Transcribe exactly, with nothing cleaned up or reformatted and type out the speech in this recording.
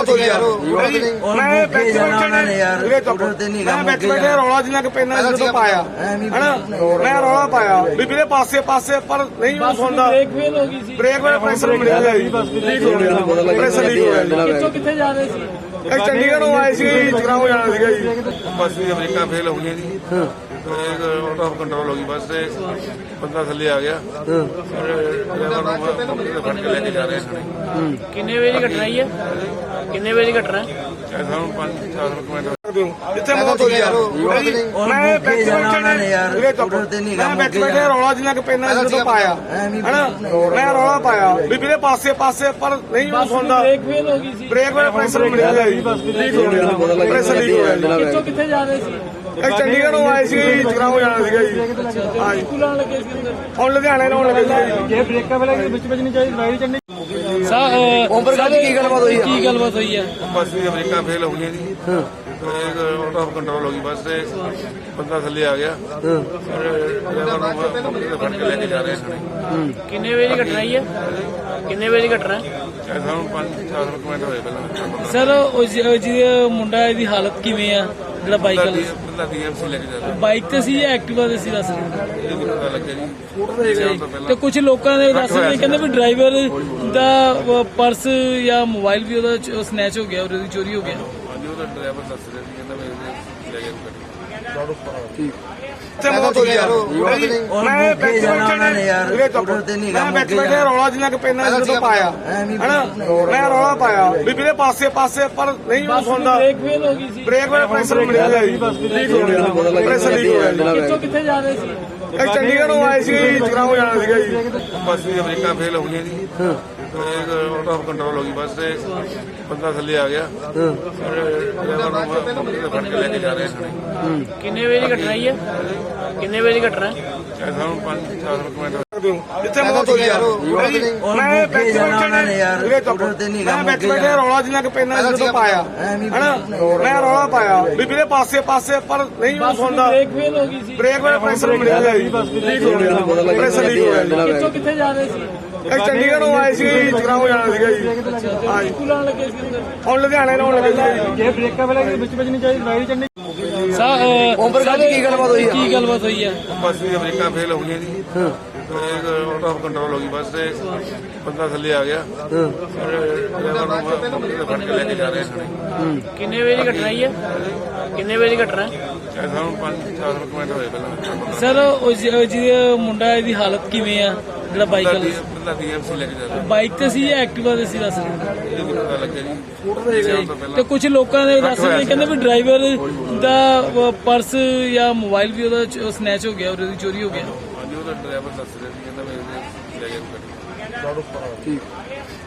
ਹੋ ਗਿਆ ਯਾਰ ਮੈਂ ਬੈਠੇ ਬੈਠੇ ਨੇ ਮੈਂ ਬੈਠੇ ਬੈਠੇ ਰੌਲਾ ਜਿੰਨਾ ਕਿ ਪੈਨਾ ਜਦੋਂ ਪਾਇਆ ਹਨਾ ਮੈਂ ਰੌਲਾ ਪਾਇਆ ਵੀ ਵੀਰੇ ਪਾਸੇ ਪਾਸੇ ਪਰ ਨਹੀਂ ਉਹ ਸੁਣਦਾ ਬ੍ਰੇਕ ਫੇਲ ਹੋ ਗਈ ਸੀ। ਬ੍ਰੇਕ ਵਾਲਾ ਪ੍ਰੈਸ਼ਰ ਮਿਲਿਆ ਜੀ ਲੀਕ ਹੋ ਗਿਆ ਪ੍ਰੈਸ਼ਰ ਲੀਕ ਹੋ ਗਿਆ ਕਿੱਥੋਂ ਕਿੱਥੇ ਜਾ ਰਹੇ ਸੀ? ਇਹ ਚੰਡੀਗੜ੍ਹ ਨੂੰ ਆਏ ਸੀ ਜਗਰਾਉਂ ਜਾਣਾ ਸੀਗਾ ਜੀ ਬੱਸ ਦੀ ਬ੍ਰੇਕਾਂ ਫੇਲ ਹੋ ਗਈਆਂ ਜੀ ਇੱਕ ਆਊਟ ਆਫ ਕੰਟਰੋਲ ਹੋ ਗਈ ਬੱਸ ਤੇ ਬੰਦਾ ਥੱਲੇ ਆ ਗਿਆ ਡਰਾਈਵਰ ਨੂੰ ਫੜ ਕੇ ਲੈ ਕੇ ਜਾ ਰਹੇ ਸਨ। ਕਿੰਨੇ ਵਜੇ ਦੀ ਘਟਨਾ ਹੈ? ਕਿੰਨੇ ਵਜੇ ਦੀ ਘਟਨਾ ਹੈ? ਇਹ ਸਾਨੂੰ ਪੰਜ ਚਾਰ ਮਿੰਟ ਜਿੱਥੇ ਮੌਤ ਹੋ ਗਈ ਯਾਰ ਮੈਂ ਬੈਠੇ ਬੈਠੇ ਨੇ ਮੈਂ ਬੈਠੇ ਬੈਠੇ ਰੌਲਾ ਜਿੰਨਾ ਕਿ ਪੈਨਾ ਜਦੋਂ ਪਾਇਆ ਹਨਾ ਮੈਂ ਰੌਲਾ ਪਾਇਆ ਵੀ ਵੀਰੇ ਪਾਸੇ ਪਾਸੇ ਪਰ ਨਹੀਂ ਉਹ ਸੁਣਦਾ ਬ੍ਰੇਕ ਫੇਲ ਹੋ ਗਈ ਸੀ। ਬ੍ਰੇਕ ਵਾਲਾ ਪ੍ਰੈਸ਼ਰ ਮਿਲਿਆ ਜੀ ਲੀਕ ਹੋ ਗਿਆ ਪ੍ਰੈਸ਼ਰ ਲੀਕ ਹੋ ਗਿਆ ਕਿੱਥੋਂ ਕਿੱਥੇ ਜਾ ਰਹੇ ਸੀ? ਇਹ ਚੰਡੀਗੜ੍ਹ ਨੂੰ ਆਏ ਸੀ ਜਗਰਾਉਂ ਜਾਣਾ ਸੀਗਾ ਜੀ ਹਾਂ ਜੀ ਸਕੂਲ ਆਉਣ ਲੱਗੇ ਸੀ ਅੰਦਰ। ਹੁਣ ਲੁਧਿਆਣੇ ਨੂੰ ਆਉਣ ਲੱਗੇ ਸੀ ਜੇ ਬ੍ਰੇਕਾਂ ਵੇਲੇ ਵਿੱਚ ਵਿੱਚ ਨਹੀਂ ਚਾਹੀਦੀ ਡਰਾਈਵਰ ਚੜਨੀ। ਓਮਪ੍ਰਕਾਸ਼ ਜੀ ਕੀ ਗੱਲਬਾਤ ਹੋਈ ਕੀ ਗੱਲਬਾਤ ਹੋਈ ਹੈ? ਬੱਸ ਦੀ ਬ੍ਰੇਕਾਂ ਫੇਲ ਹੋ ਗਈਆਂ ਜੀ ਇੱਕ ਆਊਟ ਆਫ ਕੰਟਰੋਲ ਹੋ ਗਈ ਬੱਸ ਤੇ ਬੰਦਾ ਥੱਲੇ ਆ ਗਿਆ ਡਰਾਈਵਰ ਨੂੰ ਫੜ ਕੇ ਲੈ ਕੇ ਜਾ ਰਹੇ ਸਨ। ਕਿੰਨੇ ਵਜੇ ਦੀ ਘਟਨਾ ਹੈ? ਕਿੰਨੇ ਵਜੇ ਦੀ ਘਟਨਾ ਹੈ? ਇਹ ਸਾਨੂੰ ਪੰਜ ਚਾਰ ਮਿੰਟ ਹੋਏ ਪਹਿਲਾਂ ਸਰ ਉਹ ਜਿਹਦਾ ਮੁੰਡਾ ਇਹਦੀ ਹਾਲਤ ਕਿਵੇਂ ਆ ਜਿਹੜਾ ਬਾਈਕ ਵਾਲਾ? ਬੰਦਾ ਡੀਐਮਸੀ ਲੈ ਕੇ ਜਾ ਰਿਹਾ ਬਾਈਕ ਤੇ ਸੀ ਜਾਂ ਐਕਟਿਵਾ ਤੇ ਸੀ? ਦੱਸ ਇਹ ਨਹੀਂ ਪਤਾ ਲੱਗਿਆ ਜੀ ਜਾਣ ਤੋਂ ਪਹਿਲਾਂ ਤੇ ਕੁਝ ਲੋਕਾਂ ਨੇ ਦੱਸ ਰਹੇ ਕਹਿੰਦੇ ਵੀ ਡਰਾਈਵਰ ਦਾ ਪਰਸ ਜਾਂ ਮੋਬਾਈਲ ਵੀ ਉਹਦਾ ਸਨੈਚ ਹੋ ਗਿਆ, ਉਹਦੀ ਚੋਰੀ ਹੋ ਗਿਆ। ਹਾਂਜੀ ਉਹਦਾ ਡਰਾਈਵਰ ਦੱਸ ਰਿਹਾ ਸੀ ਕਹਿੰਦਾ ਮੈਂ ਲੈ ਗਿਆ ਗੱਡੀ। ਜਿੱਥੇ ਮੌਤ ਹੋ ਗਈ ਯਾਰ ਮੈਂ ਬੈਠੇ ਬੈਠੇ ਨੇ ਮੈਂ ਬੈਠੇ ਬੈਠੇ ਰੌਲਾ ਜਿੰਨਾ ਕਿ ਪੈਨਾ ਜਦੋਂ ਪਾਇਆ ਹਨਾ ਮੈਂ ਰੌਲਾ ਪਾਇਆ ਵੀ ਵੀਰੇ ਪਾਸੇ ਪਾਸੇ ਪਰ ਨਹੀਂ ਉਹ ਸੁਣਦਾ ਬ੍ਰੇਕ ਫੇਲ ਹੋ ਗਈ ਸੀ। ਬ੍ਰੇਕ ਵਾਲਾ ਪ੍ਰੈਸ਼ਰ ਮਿਲਿਆ ਜੀ ਲੀਕ ਹੋ ਗਿਆ ਪ੍ਰੈਸ਼ਰ ਲੀਕ ਹੋ ਗਿਆ ਕਿੱਥੋਂ ਕਿੱਥੇ ਜਾ ਰਹੇ ਸੀ? ਇਹ ਚੰਡੀਗੜ੍ਹ ਨੂੰ ਆਏ ਸੀ ਜਗਰਾਉਂ ਜਾਣਾ ਸੀਗਾ ਜੀ ਬੱਸ ਦੀ ਬ੍ਰੇਕਾਂ ਫੇਲ ਹੋ ਗਈਆਂ ਜੀ ਇੱਕ ਆਊਟ ਆਫ ਕੰਟਰੋਲ ਹੋ ਗਈ ਬੱਸ ਤੇ ਬੰਦਾ ਥੱਲੇ ਆ ਗਿਆ ਡਰਾਈਵਰ ਨੂੰ ਫੜ ਕੇ ਲੈ ਕੇ ਜਾ ਰਹੇ ਸਨ। ਕਿੰਨੇ ਵਜੇ ਦੀ ਘਟਨਾ ਹੈ? ਕਿੰਨੇ ਵਜੇ ਦੀ ਘਟਨਾ ਹੈ? ਇਹ ਸਾਨੂੰ ਪੰਜ ਚਾਰ ਮਿੰਟ ਜਿੱਥੇ ਮੌਤ ਹੋ ਗਈ ਯਾਰ ਮੈਂ ਬੈਠੇ ਬੈਠੇ ਨੇ ਮੈਂ ਬੈਠੇ ਬੈਠੇ ਰੌਲਾ ਜਿੰਨਾ ਕਿ ਪੈਨਾ ਜਦੋਂ ਪਾਇਆ ਹਨਾ ਮੈਂ ਰੌਲਾ ਪਾਇਆ ਵੀ ਵੀਰੇ ਪਾਸੇ ਪਾਸੇ ਪਰ ਨਹੀਂ ਉਹ ਸੁਣਦਾ ਬ੍ਰੇਕ ਫੇਲ ਹੋ ਗਈ ਸੀ। ਬ੍ਰੇਕ ਵਾਲਾ ਪ੍ਰੈਸ਼ਰ ਮਿਲਿਆ ਜੀ ਲੀਕ ਹੋ ਗਿਆ ਪ੍ਰੈਸ਼ਰ ਲੀਕ ਹੋ ਗਿਆ ਕਿੱਥੋਂ ਕਿੱਥੇ ਜਾ ਰਹੇ ਸੀ? ਇਹ ਚੰਡੀਗੜ੍ਹ ਨੂੰ ਆਏ ਸੀ ਜਗਰਾਉਂ ਜਾਣਾ ਸੀਗਾ ਜੀ ਹਾਂ ਜੀ ਸਕੂਲ ਆਉਣ ਲੱਗੇ ਸੀ ਅੰਦਰ। ਹੁਣ ਲੁਧਿਆਣੇ ਨੂੰ ਆਉਣ ਲੱਗੇ ਸੀ ਜੇ ਬ੍ਰੇਕਾਂ ਵੇਲੇ ਵਿੱਚ ਵਿੱਚ ਨਹੀਂ ਚਾਹੀਦੀ ਡਰਾਈਵਰ ਚੜਨੀ। ਓਮਪ੍ਰਕਾਸ਼ ਜੀ ਕੀ ਗੱਲਬਾਤ ਹੋਈ ਕੀ ਗੱਲਬਾਤ ਹੋਈ ਹੈ? ਬੱਸ ਦੀ ਬ੍ਰੇਕਾਂ ਫੇਲ ਹੋ ਗਈਆਂ ਜੀ ਇੱਕ ਆਊਟ ਆਫ ਕੰਟਰੋਲ ਹੋ ਗਈ ਬੱਸ ਤੇ ਬੰਦਾ ਥੱਲੇ ਆ ਗਿਆ ਡਰਾਈਵਰ ਨੂੰ ਫੜ ਕੇ ਲੈ ਕੇ ਜਾ ਰਹੇ ਸਨ। ਕਿੰਨੇ ਵਜੇ ਦੀ ਘਟਨਾ ਹੈ? ਕਿੰਨੇ ਵਜੇ ਦੀ ਘਟਨਾ ਹੈ? ਇਹ ਸਾਨੂੰ ਪੰਜ ਚਾਰ ਮਿੰਟ ਹੋਏ ਪਹਿਲਾਂ ਸਰ ਉਹ ਜਿਹਦਾ ਮੁੰਡਾ ਇਹਦੀ ਹਾਲਤ ਕਿਵੇਂ ਆ ਜਿਹੜਾ ਬਾਈਕ ਵਾਲਾ? ਬੰਦਾ ਡੀਐਮਸੀ ਲੈ ਕੇ ਜਾ ਰਿਹਾ ਬਾਈਕ ਤੇ ਸੀ ਜਾਂ ਐਕਟਿਵਾ ਤੇ ਸੀ? ਦੱਸ ਇਹ ਨਹੀਂ ਪਤਾ ਲੱਗਿਆ ਜੀ ਜਾਣ ਤੋਂ ਪਹਿਲਾਂ ਤੇ ਕੁਝ ਲੋਕਾਂ ਨੇ ਦੱਸ ਰਹੇ ਕਹਿੰਦੇ ਵੀ ਡਰਾਈਵਰ ਦਾ ਪਰਸ ਜਾਂ ਮੋਬਾਈਲ ਵੀ ਉਹਦਾ ਸਨੈਚ ਹੋ ਗਿਆ, ਉਹਦੀ ਚੋਰੀ ਹੋ ਗਿਆ। ਹਾਂਜੀ ਉਹਦਾ ਡਰਾਈਵਰ ਦੱਸ ਰਿਹਾ ਸੀ ਕਹਿੰਦਾ ਮੈਂ ਲੈ ਗਿਆ ਗੱਡੀ।